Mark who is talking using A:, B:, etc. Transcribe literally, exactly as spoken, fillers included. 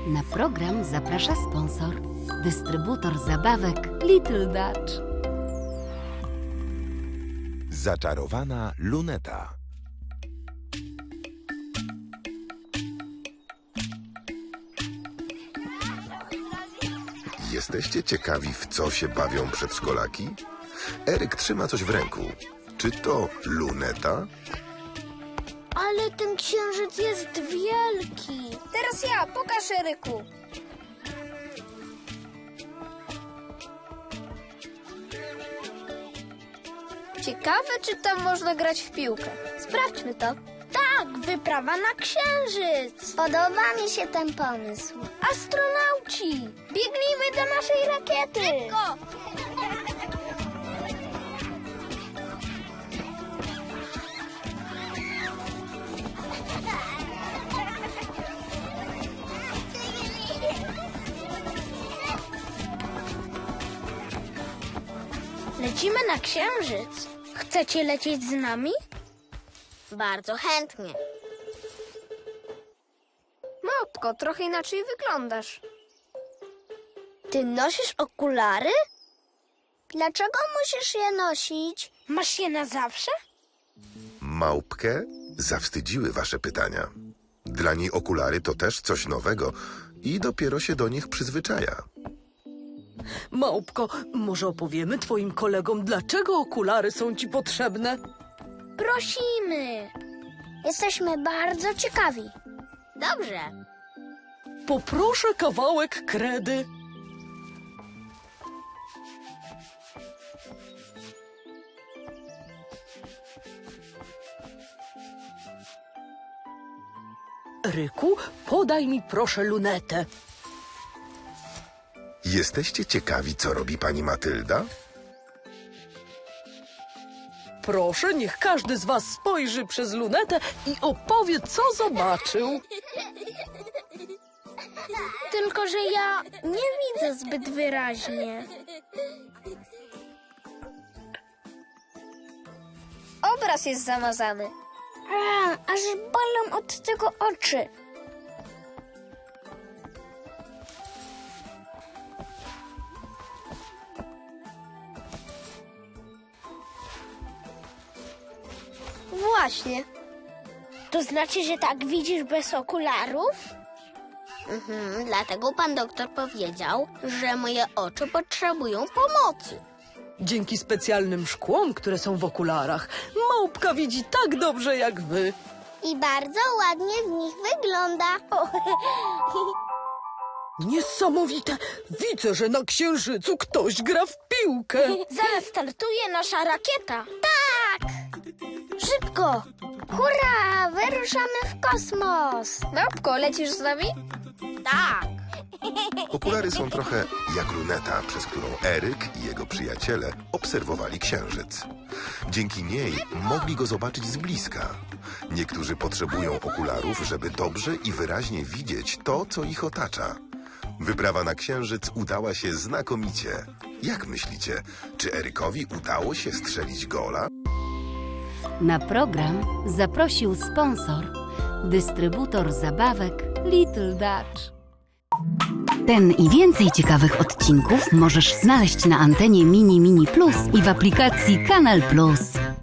A: Na program zaprasza sponsor, dystrybutor zabawek Little Dutch.
B: Zaczarowana luneta.
C: Jesteście ciekawi, w co się bawią przedszkolaki? Eryk trzyma coś w ręku. Czy to luneta?
D: Ale ten księżyc jest wielki.
E: Teraz ja, pokaż Eryku. Ciekawe, czy tam można grać w piłkę.
D: Sprawdźmy to. Tak, wyprawa na księżyc. Podoba mi się ten pomysł. Astronauci, biegnijmy do naszej rakiety. Szybko! Lecimy na księżyc. Chcecie lecieć z nami? Bardzo chętnie.
E: Małpko, trochę inaczej wyglądasz.
D: Ty nosisz okulary? Dlaczego musisz je nosić? Masz je na zawsze?
C: Małpkę zawstydziły wasze pytania. Dla niej okulary to też coś nowego i dopiero się do nich przyzwyczaja.
F: Małpko, może opowiemy twoim kolegom, dlaczego okulary są ci potrzebne?
D: Prosimy. Jesteśmy bardzo ciekawi. Dobrze.
F: Poproszę kawałek kredy. Ryku, podaj mi proszę lunetę.
C: Jesteście ciekawi, co robi pani Matylda?
F: Proszę, niech każdy z was spojrzy przez lunetę i opowie, co zobaczył.
D: Tylko, że ja nie widzę zbyt wyraźnie.
E: Obraz jest zamazany.
D: A, aż bolą od tego oczy.
E: Właśnie.
D: To znaczy, że tak widzisz bez okularów? Mhm, dlatego pan doktor powiedział, że moje oczy potrzebują pomocy.
F: Dzięki specjalnym szkłom, które są w okularach, małpka widzi tak dobrze jak wy.
D: I bardzo ładnie w nich wygląda.
F: Niesamowite! Widzę, że na księżycu ktoś gra w piłkę.
D: Zaraz startuje nasza rakieta. Tak! Szybko! Hurra! Wyruszamy w kosmos!
E: Małpko, lecisz z nami?
D: Tak!
C: Okulary są trochę jak luneta, przez którą Eryk i jego przyjaciele obserwowali księżyc. Dzięki niej mogli go zobaczyć z bliska. Niektórzy potrzebują okularów, żeby dobrze i wyraźnie widzieć to, co ich otacza. Wyprawa na księżyc udała się znakomicie. Jak myślicie, czy Erykowi udało się strzelić gola?
A: Na program zaprosił sponsor, dystrybutor zabawek Little Dutch. Ten i więcej ciekawych odcinków możesz znaleźć na antenie Mini Mini Plus i w aplikacji Kanal Plus.